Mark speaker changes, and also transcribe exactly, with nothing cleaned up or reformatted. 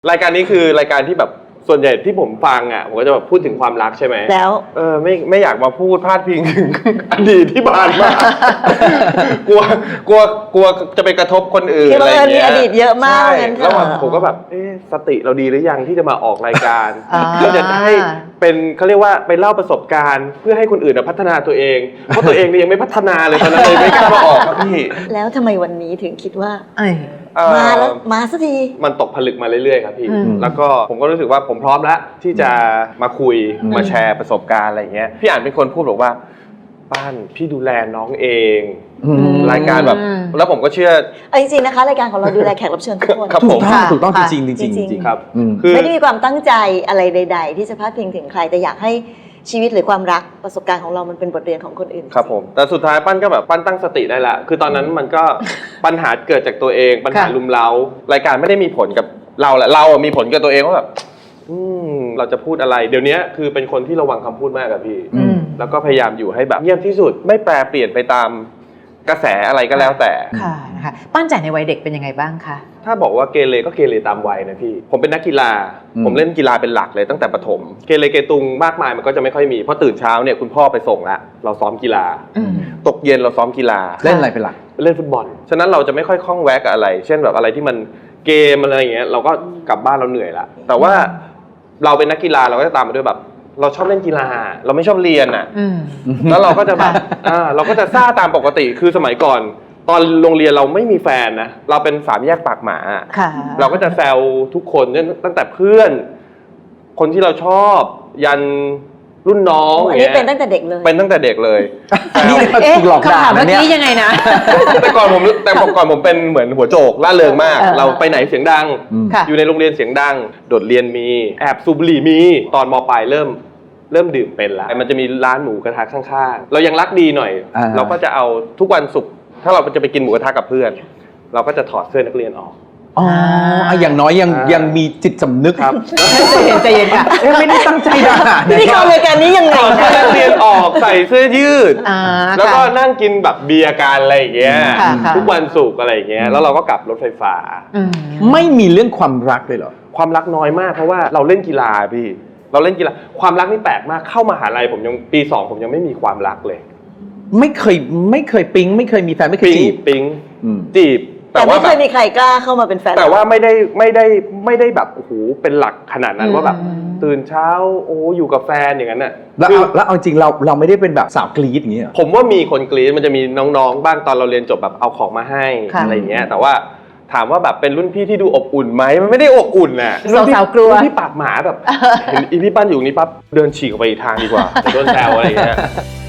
Speaker 1: รายการนี้คือรายการที่แบบส่วนใหญ่ที่ผมฟังอ่ะผมก็จะแบบพูดถึงความรักใช่ไหม
Speaker 2: แล้ว
Speaker 1: เออไม่ไม่อยากมาพูดพาดพิงถึงอดีตที่ผ่านมากลัวกลัวกลัวจะไปกระทบคนอื่นอะไรอย่างเงี้ย
Speaker 2: มีอดีตเยอะมาก
Speaker 1: แล้วผมก็แบบเอ๊ะสติเราดีหรือยังที่จะมาออกรายการเพื่อจะให้เป็นเขาเรียกว่าไปเล่าประสบการณ์เพื่อให้คนอื่นพัฒนาตัวเองเพราะตัวเองเนี่ยยังไม่พัฒนาเลยตอนนั้นเลยไม่กล้ามาออกครับพี่
Speaker 2: แล้วทำไมวันนี้ถึงคิดว่า
Speaker 1: มา
Speaker 2: แล้วมาสักที
Speaker 1: มันตกผลึกมาเรื่อยๆครับพี่แล้วก็ผมก็รู้สึกว่าผมพร้อมแล้วที่จะมาคุยมาแชร์ประสบการณ์อะไรเงี้ยพี่อ่านเป็นคนพูดบอกว่าป้านพี่ดูแลน้องเองรายการแบบแล้วผมก็เชื่อ
Speaker 2: จริงๆนะคะรายการของเราดูแลแขกรับเชิญทุกคน
Speaker 1: ครับผม
Speaker 3: ถูกต้องจริงจริงจริง
Speaker 1: ครับ
Speaker 2: ไม่ได้มีความตั้งใจอะไรใดๆที่จะพาดพิงถึงใครแต่อยากให้ชีวิตหรือความรักประสบการณ์ของเรามันเป็นบทเรียนของคนอื่น
Speaker 1: ครับผมแต่สุดท้ายปั้นก็แบบปั้นตั้งสติได้ละคือตอนนั้นมันก็ปัญหาเกิดจากตัวเองปัญหาลุมเร้ารายการไม่ได้มีผลกับเราแหละเรามีผลกับตัวเองว่าแบบอืมเราจะพูดอะไรเดี๋ยวนี้คือเป็นคนที่ระวังคำพูดมากกับพี่แล้วก็พยายามอยู่ให้แบบเงียบที่สุดไม่แปรเปลี่ยนไปตามกระแสอะไรก็แล้วแต่
Speaker 3: ค่ะนะคะปั้นจ่ายในวัยเด็กเป็นยังไงบ้างคะ
Speaker 1: ถ้าบอกว่าเกเรก็เกเรตามวัยนะพี่ผมเป็นนักกีฬาผมเล่นกีฬาเป็นหลักเลยตั้งแต่ประถมเกเรเกตุงมากมายมันก็จะไม่ค่อยมีเพราะตื่นเช้าเนี่ยคุณพ่อไปส่งละเราซ้อมกีฬาตกเย็นเราซ้อมกีฬา
Speaker 3: เล่นอะไรเป็นหลัก
Speaker 1: เล่นฟุตบอลฉะนั้นเราจะไม่ค่อยคล่องแวะกับอะไรเช่นแบบอะไรที่มันเกมอะไรอย่างเงี้ยเราก็กลับบ้านเราเหนื่อยละแต่ว่าเราเป็นนักกีฬาเราก็จะตามมาด้วยแบบเราชอบเล่นกีฬาเราไม่ชอบเรียนอ่ะแล้วเราก็จะแบบอ่าเราก็จะซ่าตามปกติคือสมัยก่อนตอนโรงเรียนเราไม่มีแฟนนะเราเป็นสามแยกปากหมาเราก็จะแซวทุกคนตั้งแต่เพื่อนคนที่เราชอบยันรุ่นน้อง
Speaker 2: อันนี้เป็นตั้งแต่เด็กเลย
Speaker 1: เป็นตั้งแต่เด็กเลย
Speaker 3: นี่ถูกหลอกด่าเมื่อกี้ยังไงนะ
Speaker 1: แต่ก่อนผมแต่ก่อนผมเป็นเหมือนหัวโจกล่าเริงมากเราไปไหนเสียงดังอยู่ในโรงเรียนเสียงดังโดดเรียนมีแอบสูบบุหรี่มีตอนม.ปลายเริ่มเริ่มดื่มเป็นแล้วมันจะมีร้านหมูกระทะข้างๆเรายังรักดีหน่อยเราก็จะเอาทุกวันศุกร์ถ้าเราจะไปกินหมูกระทะกับเพื่อนเราก็จะถอดเสื้อนักเรียนออก
Speaker 3: อ๋ออย่างน้อยยังยังมีจิตสำนึก
Speaker 1: ครับ
Speaker 3: ใจเย็นใจเย็นค่ะไม่ได้ตั้งใจด่า
Speaker 2: ที่เข้ารายการนี้ยังไง
Speaker 1: ถอดเสื้อนักเรียนออกใส่เสื้อยืดแล้วก็นั่งกินแบบเบียร์กันอะไรอย่างเงี้ยทุกวันศุกร์อะไรอย่างเงี้ยแล้วเราก็กลับรถไฟฟ้า
Speaker 3: ไม่มีเรื่องความรักเลยเหรอ
Speaker 1: ความรักน้อยมากเพราะว่าเราเล่นกีฬาพี่เราเล่นกีฬาความรักนี่แปลกมากเข้ามหาลัยผมยังปีสองผมยังไม่มีความรักเลย
Speaker 3: ไม่เคยไม่เคยปิ๊งไม่เคยมีแฟนไม่เคยจีบ
Speaker 1: ปิ๊งจีบ
Speaker 2: แต่ไม่เคยมีใครกล้าเข้ามาเป็นแฟน
Speaker 1: แต่ว่าไม่ได้ไม่ได้ไม่ได้แบบโอ้โหเป็นหลักขนาดนั้นว่าแบบตื่นเช้าโอ้อยู่กับแฟนอย่างนั้นน่ะ
Speaker 3: แล้วแล้วเอาจริงเราเราไม่ได้เป็นแบบสาวกรี๊ดอย่างเงี้ย
Speaker 1: ผมว่ามีคนกรี๊ดมันจะมีน้องๆบ้างตอนเราเรียนจบแบบเอาของมาให้อะไรอย่างเงี้ยแต่ว่าถามว่าแบบเป็นรุ่นพี่ที่ดูอบอุ่นไหมมันไม่ได้อบอุ่นน่ะ
Speaker 3: สาวๆกลัว
Speaker 1: รุ่นพี่ปากหมาแบบเห็นอีพี่ปั้นอยู่นี่ปั๊บเดินฉีกออกไปอีกทางดีกว่าโดนแซวอะไรอย่างเงี้ย